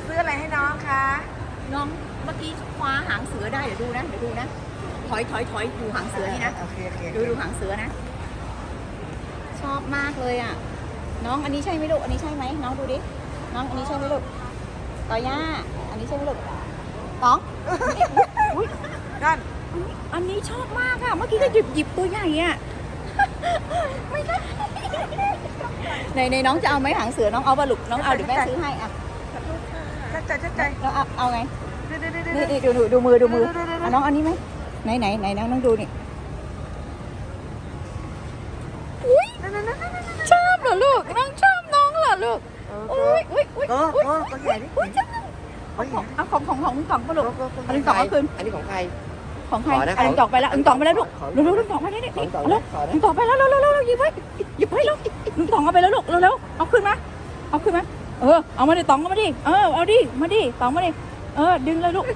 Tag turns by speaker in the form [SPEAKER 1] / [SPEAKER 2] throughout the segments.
[SPEAKER 1] ซื้ออะไรให้น้องคะ
[SPEAKER 2] น้องเมื่อกี้คว้าหางเสือได้เดี๋ยวดูนะถอยดูหางเสือนี่นะ
[SPEAKER 1] โอเคโอเค
[SPEAKER 2] ดูหางเสือนะ ชอบมากเลยอ่ะน้องอันนี้ใช่ไหมลูกอันนี้ใช่ไหมน้องดูดิน้องอันนี้ใช่ไหมลูกต่อย่าอันนี้ใช่ไหมลูกน้องอุ๊ย
[SPEAKER 1] นั่น
[SPEAKER 2] อันนี้ชอบมากอ่ะเมื่อกี้ก็หยิบตัวใหญ่อ่ะ ไม่ได้ในน้องจะเอาไหมหางเสือน้องเอาปะลูกน้องเอาเดี๋ยวแม่ซื้อให้อ่ะ
[SPEAKER 1] ชัดใจ
[SPEAKER 2] แล้วเอาไง
[SPEAKER 1] ดู
[SPEAKER 2] นี่ดูมือเอาน้องอันนี้ไหมไหนน้องดูนี่อุ้ยชอบเหรอลูกน้องชอบน้องเหรอลูกอุ้ย
[SPEAKER 1] ก็ใหญ่ดิ
[SPEAKER 2] เอาของปะลูกเอาลิงตองเอาคืน
[SPEAKER 3] อันนี้ของใคร
[SPEAKER 2] ของใคร
[SPEAKER 3] ขอนะ
[SPEAKER 2] เอาลิงตองไปแล้วลิงตองไปแล้วลูกเร็วลิงตองไปแล้วนี่
[SPEAKER 3] ของต่อ
[SPEAKER 2] เร็ว
[SPEAKER 3] ขอนะ
[SPEAKER 2] ลิงตองไปแล้วเร็วหยิบไว้เร็วลิงตองเอาไปแล้วลูกเร็วเอาขึ้นมาเอามาดิตองเอามาดิเอาดิมาดิตองมาดิดึงเลยลูก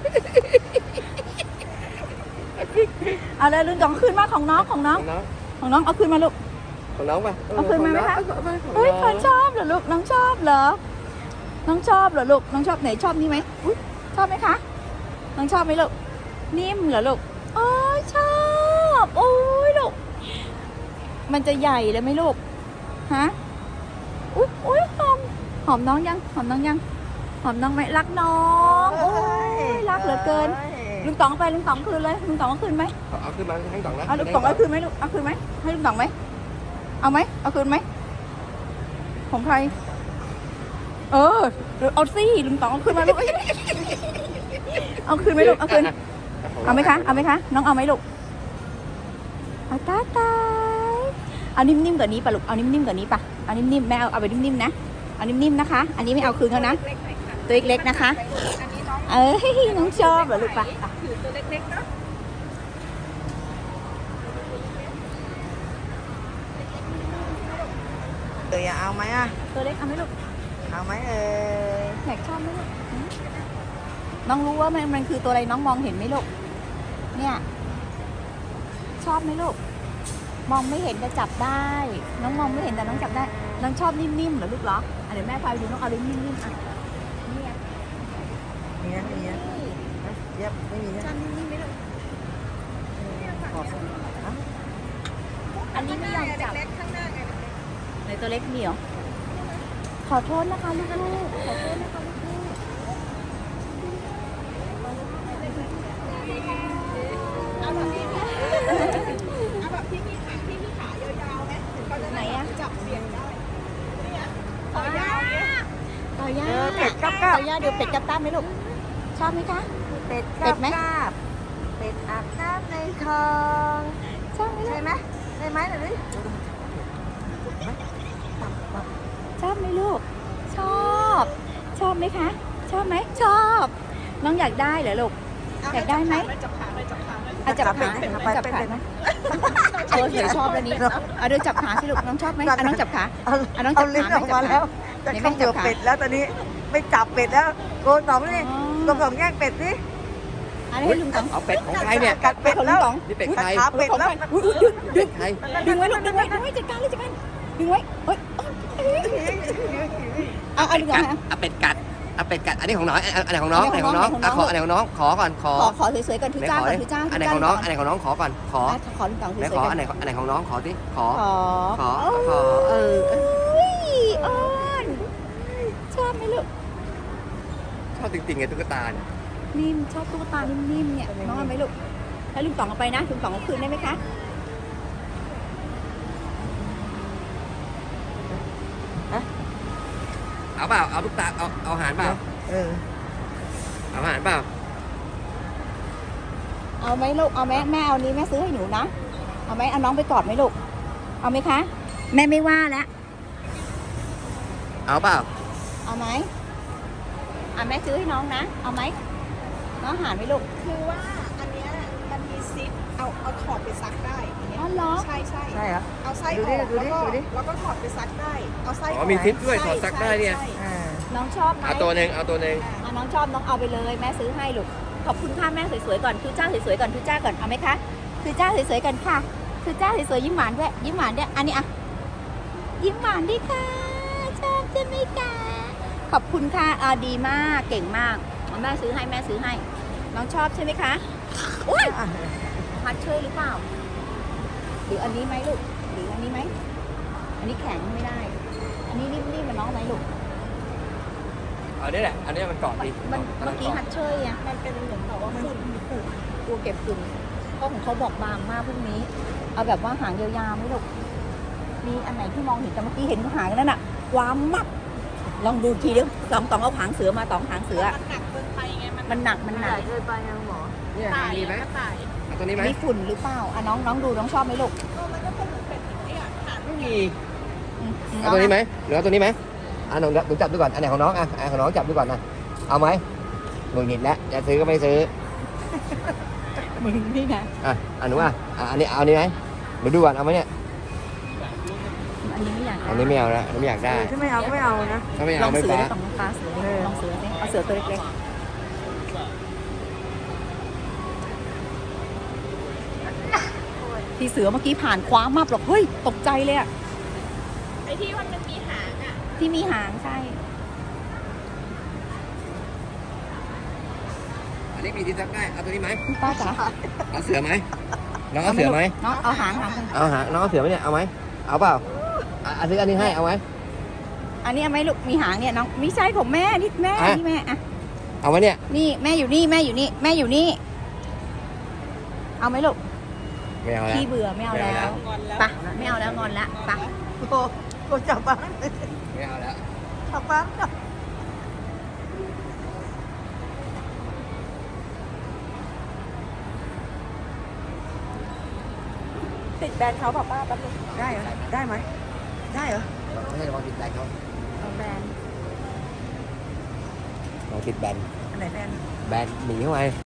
[SPEAKER 2] เอาเลยลิงตองขึ้นมาของน้องเอาขึ้นมาลูก
[SPEAKER 3] ของน้องป่ะ
[SPEAKER 2] เอาคืนมาไหมคะเฮ้ยคนชอบเหรอลูกน้องชอบเหรอน้องชอบเหรอลูกน้องชอบไหนชอบนี่ไหมอุ๊ยชอบไหมคะน้องชอบไหมลูกนิ่มเหรอลูกโอ้ยชอบโอ้ยลูกมันจะใหญ่เลยไหมลูกฮะอุ๊ยหอมน้องยังหอมน้องไหมรักน้องโอ้ยรักเหลือเกินลุงต๋องไปลุงต๋องคืนเลยลุงต๋องเอาคืนไหม
[SPEAKER 3] เอาขึ้นมาให้ต่องนะ
[SPEAKER 2] เอาลุงต๋องเอาคืนไหมลูกเอาคืนไหมให้ลุงต๋องไหมเอาไหมเอาคืนไหมของใครเอาสิลุงต๋องเอาคืนมาลูกเอาคืนไหมลูกเอาคืนเอาไหมคะน้องเอาไหมลูกเอาตายเอานิ่มๆกว่านี้ป่ะลูกเอานิ่มๆกว่านี้ป่ะเอานิ่มๆแม่เอาไปนิ่มๆนะเอานิ่มๆนะคะอันนี้ไม่เอาคืนเขานะตัวเล็กๆนะคะน้องชอบเหรอลูกป่ะถือตัวเล็กๆเนาะ
[SPEAKER 1] เอาไหมอ่ะ
[SPEAKER 2] ตัวเล็กเอาไหมลูก
[SPEAKER 1] เอาไหม
[SPEAKER 2] อยากชอบไหมลูกน้องรู้ว่ามันคือตัวอะไรน้องมองเห็นไหมลูกเนี่ยชอบไหมลูกมองไม่เห็นแต่จับได้น้องมองไม่เห็นแต่น้องจับได้น้องชอบนิ่มๆเหรอลูกเหรอเดี๋ยวแม่พาไปดูน้องเอานิ่มๆอ่ะนี่
[SPEAKER 1] มีนะเย็บไม่มีนะ
[SPEAKER 2] ชอบนิ่มๆไหมลูกอันนี้ไม่ยอมจับในตัวเล็กเหนียวขอโทษนะคะลูกๆขอโทษนะคะลูกๆเอาแบบนี้เอาแบบที่มีขายาวๆไหมไหนอะจับเสียงได้ต่อย่า
[SPEAKER 1] เป็ดกับ
[SPEAKER 2] ต่อย่าเดี๋ยวเป็ดกับตั้มไหมลูกชอบไหมคะ
[SPEAKER 1] เป็ด
[SPEAKER 2] เป็ดไหม
[SPEAKER 1] เป็ดอาบน้ำในคลอง
[SPEAKER 2] ชอบไหมลู
[SPEAKER 1] ใช่
[SPEAKER 2] ก
[SPEAKER 1] ไหมได้ไหมหรือ
[SPEAKER 2] ชอบไหมลูกชอบไหมคะชอบไหมชอบ น้องอยากได้เหรอลูกอยากได้ไหมจับขาจับขาไหมเสือชอบแล้วนี้เอาเดี๋ยวจับขาสิลูกน้องชอบไหมน้องจับขาน้องจับ
[SPEAKER 1] ลิ้นออกมาแล้วจะเข้าเกือบเป็ดแล้วตอนนี้ไม่จับเป็ดแล้วโกนสองนี่โกนสองแย่งเป็ดสิ
[SPEAKER 2] อันนี้ให้ลุงต๋อง
[SPEAKER 3] เอาเป็ดของใครเนี่ย
[SPEAKER 1] กัดเป็ด
[SPEAKER 2] ของลุ
[SPEAKER 1] แล้
[SPEAKER 2] ง
[SPEAKER 1] ว
[SPEAKER 2] ต๋อง
[SPEAKER 3] นี่เป็ดใคร
[SPEAKER 1] ขาเป็ดแล้ว
[SPEAKER 3] เป็ดใคร
[SPEAKER 2] ดึงไว้ลูกดึงไว้จัดการดึงไว้เฮ้ยเอาดึงก่อนนะ
[SPEAKER 3] เอาเป็ดกัดอันนี้ของน้องอันไหนของน้องอันไหนของน้องขออันไหนของน้องขอก่อนขอ
[SPEAKER 2] ขอสวยๆก่อนทุจ้าก่อนทุจ้า
[SPEAKER 3] อันไหนของน้องขอก่อนขอ
[SPEAKER 2] ขอลุงต๋องส
[SPEAKER 3] ไหน
[SPEAKER 2] วย
[SPEAKER 3] ขอ
[SPEAKER 2] ๆก่
[SPEAKER 3] อั
[SPEAKER 2] อน
[SPEAKER 3] ไหนของน้องขอสิขอ
[SPEAKER 2] ขออ้อนชอบไหมลูก
[SPEAKER 3] ชอบจริงๆไงตุ๊กตาเนี่ย
[SPEAKER 2] นิ่มชอบตุ๊กตานิ่มๆเนี่ยน้องเอาไหมลูกให้ลุงต๋องเอาไปนะลุงต๋องเอาคืนได้ไหมคะ
[SPEAKER 3] เอาเปล่าเอาตุ๊กตาเอาอาหารเปล่าเอาอาหารเปล่า
[SPEAKER 2] เอาไหมลูกเอาไหมแม่เอานี้แม่ซื้อให้หนูนะเอาไหมเอาน้องไปกอดไหมลูกเอาไหมคะแม่ไม่ว่าแล้ว
[SPEAKER 3] เอาเปล่า
[SPEAKER 2] เอาไหมแม่ซื้อให้น้องนะเอาไหมน้องหารไหมลูก
[SPEAKER 4] คือว่าอันเนี้ยมันมีซิปเอาถอดไปซักได้อย่างเงี้ย
[SPEAKER 2] อ๋อเหรอ
[SPEAKER 4] ใช่
[SPEAKER 1] ใช่เหรอ
[SPEAKER 4] เอาไส้
[SPEAKER 1] ดู
[SPEAKER 4] อ
[SPEAKER 1] ดิ
[SPEAKER 4] อก
[SPEAKER 1] ดูดิดูดิ
[SPEAKER 4] แล้วก็ถอดไปซักได้เอาไส้
[SPEAKER 3] อ๋อมีซิปด้วยถอดซักได้เนี่ย
[SPEAKER 4] ใช่
[SPEAKER 2] น้องชอบไหม
[SPEAKER 3] เอาตัวหนึ่งเอาตัวหนึ่ง
[SPEAKER 2] น้องชอบน้องเอาไปเลยแม่ซื้อให้ลูกขอบคุณค่ะแม่สวยๆก่อนคือจ้าสวยๆก่อนคือจ้าก่อนเอาไหมคะคือจ้าสวยๆก่อนค่ะคือจ้าสวยๆยิ้มหวานด้วยยิ้มหวานด้วยอันนี้อ่ะยิ้มหวานดิค่ะชอบใช่ไหมคะขขอบคุณค่ะดีมากเก่งมากแม่ซื้อให้แม่ซื้อให้ น้องชอบใช่ไหมคะอุ้ยฮัทเชยหรือเปล่าหรืออันนี้ไหมลูกหรืออันนี้ไหมอันนี้แข็งไม่ได้ อันนี้นิ่มๆมันน้องไหมลูก
[SPEAKER 3] เอาเนี่ยแหละอันนี้มันเกาะดี
[SPEAKER 2] มันเมื่อกี้ฮัทเชยอ่ะ
[SPEAKER 4] มันเป็นเหมือนแบบว่าฝุ่น
[SPEAKER 2] กลัวเก็บฝุ่นเพราะของเขาบอกบางมากพวกนี้ เอาแบบว่าหางยาวๆไหมลูกมีอันไหนที่มองเห็นแต่เมื่อกี้เห็นหางนั่นน่ะความมักลองดูทีเดียวตองเอาหางเสือมาตองหางเสือ
[SPEAKER 4] มันหนักเกินไปไงมัน
[SPEAKER 2] มันหนัก
[SPEAKER 1] เกินไปนะหมอ
[SPEAKER 3] เนี่ย
[SPEAKER 4] ตาย
[SPEAKER 3] มีไหม
[SPEAKER 4] ก็ตาย
[SPEAKER 3] เอาตัวนี้ไหม
[SPEAKER 2] มีฝุ่นหรือเปล่าอ่ะน้องดูน้องชอบไหมลูก
[SPEAKER 4] มันก็เป็นเป็นเนี่ยขาด
[SPEAKER 3] ไม่มี
[SPEAKER 2] อืม
[SPEAKER 3] เอาตัวนี้ไหมหรือเอาตัวนี้ไหมหนูจับดูก่อนอันไหนของน้องของน้องจับดูก่อนนะเอาไหมหงุดหงิดแล้วจะซื้อก็ไม่ซื้อ
[SPEAKER 2] มึงนี่ไง
[SPEAKER 3] หนูอันนี้เอาอันนี้ไหมหนูดูก่อนเอาไหมเนี่ย
[SPEAKER 2] อันนี้ไม่อยาก
[SPEAKER 3] อันนี้ไม่เอาแล้วอันนี้ไม่อยากได้
[SPEAKER 1] ถ้าไม่เอาก็ไม่เอานะ
[SPEAKER 3] ถ้าไม่
[SPEAKER 2] ล
[SPEAKER 3] เอา
[SPEAKER 2] อง
[SPEAKER 3] ไม่
[SPEAKER 2] เสือ
[SPEAKER 3] ฟ้า
[SPEAKER 2] ได้ตองฟ้าเสือดิลองเสือสิเอาเสือตัวเล็กๆที่เสือเมื่อกี้ผ่านคว้ามับหรอกเฮ้ยตกใจเลยอะ
[SPEAKER 4] ไอ้ที่มันมีหางอ่ะ
[SPEAKER 2] ที่มีหางใช่
[SPEAKER 3] อันนี้มีที่ซักได้เอาตัวนี้ไหม
[SPEAKER 2] ป้าจ๋า
[SPEAKER 3] เอาเสือไหมน้องเอาเสือไหม
[SPEAKER 2] น้องเอาหางไป
[SPEAKER 3] เอาหาน้องเอาเสือไหมเนี่ยเอาไหมเอาเปล่าซื้ออันนี้ให้เอาไหม
[SPEAKER 2] อันนี้เอาไหมลูกมีหางเนี่ยน้องไม่ใช่ของแม่นี่แม่
[SPEAKER 3] อ่ะ
[SPEAKER 2] นี่แม่อะ
[SPEAKER 3] เอาไหมเนี่ย
[SPEAKER 2] นี่แม่อยู่นี่แม่อยู่นี่แม่อยู่นี่ เอาไหมลูก
[SPEAKER 3] ไม่เอาแล้ว
[SPEAKER 2] พี่เบื่อไม่เอาแล้ว
[SPEAKER 4] งอนแล้ว
[SPEAKER 2] ไปะไม่เอาแล้วงอนละไปะ
[SPEAKER 1] โอ้จับบ้าง
[SPEAKER 3] ไม่เอาแล้ว
[SPEAKER 1] จับบ้าง
[SPEAKER 2] ติดแบรนด์เขาป้าแป๊บนึง
[SPEAKER 1] ได้เหรอได้ไหมได้เหรอ
[SPEAKER 3] ไม่ให้ระวังติดแบนเขา
[SPEAKER 2] เอาแบรนด์
[SPEAKER 3] ระวังติดแบน
[SPEAKER 1] อันไหนแฟน
[SPEAKER 3] แบนหนีเข้าไป